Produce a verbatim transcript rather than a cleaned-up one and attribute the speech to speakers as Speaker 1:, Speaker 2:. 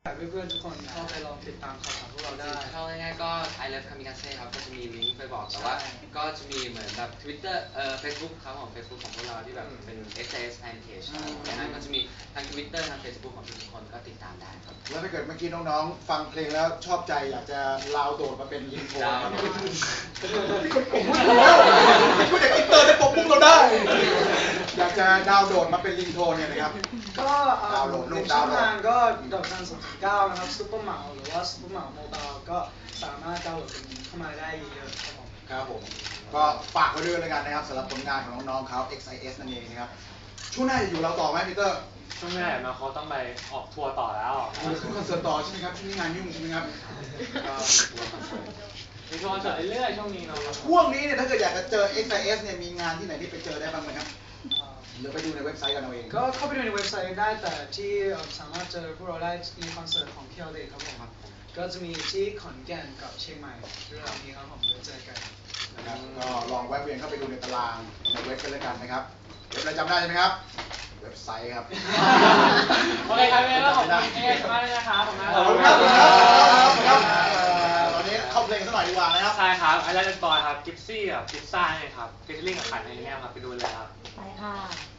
Speaker 1: ากเพื่อนๆทุกคนเข้าไปลองติดตามข่าวสารพวกเราได้
Speaker 2: เข้าง่ายๆก็ I Love Kamikaze ครับก็จะมีลิงก์ไปบอกแต่ว่าก็จะมีเหมือนแบบ Twitter เอ่อ Facebook ครับของ Facebook ของพวกเราที่แบบเป็น เอส เอส Fan Page ครับดังนั้นก็จะมีทั้ง Twitter ทั้ง Facebook ของทุกคนก็ติดตามได้ครับ
Speaker 3: แล้วถ้าเกิดเมื่อกี้น้องๆฟังเพลงแล้วชอบใจอยากจะลาวโดดมาเป็นยิงโทนครับผมพูดแล้วพูดจากอินเตอร์ได้ปกปุ้งเราได้ อยากจะดาวน์โหลดมาเป็นลิงโทนเนี่ยนะครับ
Speaker 1: ก็
Speaker 3: ดาวน์โหลดรู
Speaker 1: ใน
Speaker 3: ป
Speaker 1: ช่
Speaker 3: ดา
Speaker 1: อ
Speaker 3: ว
Speaker 1: ง
Speaker 3: น์โหลด
Speaker 1: ทางก็ดอกจันสองเก้านะครับซุปเปอร์เหมาหรือว่าซุปเปอร์เหมาโมบายก็สามารถดาวน์โหลดเป็นเข้ามาได้เยอะๆครับผม
Speaker 3: ครับผมก็ฝากไว้ด้วยแล้วกันนะครับสำหรับผลงานของน้องๆเขา เอ็กซ์ ไอ เอส นั่นเองนะครับช่วงหน้าจะอยู่เราต่อไหมพีเตอร์
Speaker 4: ช่วงแรกมาเขาต้องไปออกทัวร์ต่อแล้ว
Speaker 3: เราจะขึ้นคอนเสิร์ตต่อใช่ไหมครับช่วงนี้งานยุ่งใช่ไหมครับ
Speaker 4: มีทัวร์คอนเสิร์ตเรื่อยๆช่วงนี้เนาะ
Speaker 3: ช่วงนี้เนี่ยถ้าเกิดอยากจะเจอ เอ็กซ์ ไอ เอส เนี่ยมีงานที่ไหนที่ไปเจอได้บ้างไหมครับหรือไปดูในเว็บไซต์กันเอาเอง
Speaker 1: ก็เข้าไปดูในเว็บไซต์ได้แต่ที่สามารถเจอพวกเราได้ในคอนเสิร์ตของพี แอล เดย์ครับผมก็จะมีที่ขอนแก่นกับเชียงใหม่เรื่องนี้ครับผมเดี๋ยวเจอกัน
Speaker 3: นะครับก็ลองแวะเวียนเข้าไปดูในตารางในเว็บกันแล้วกันนะครับเว็บอะไรจำได้ใช่ไหมครับเว็บไซต์ครับ
Speaker 4: โอเคครับเป็นเรื่องของคุณเอสมากเลยนะครับผมนะ
Speaker 3: ขอบคุณครับขอบคุณครับตอนนี้เข้าเพลงสักหน่อยดีกว่านะครับ
Speaker 4: ใช่ครับไอแลนด์บอยครับกิฟซี่กับกิฟซ่าเนี่ยครับฟิชชิ่งกับขันในนี้ครับไปดูเลยครับ
Speaker 5: ไปค่ะ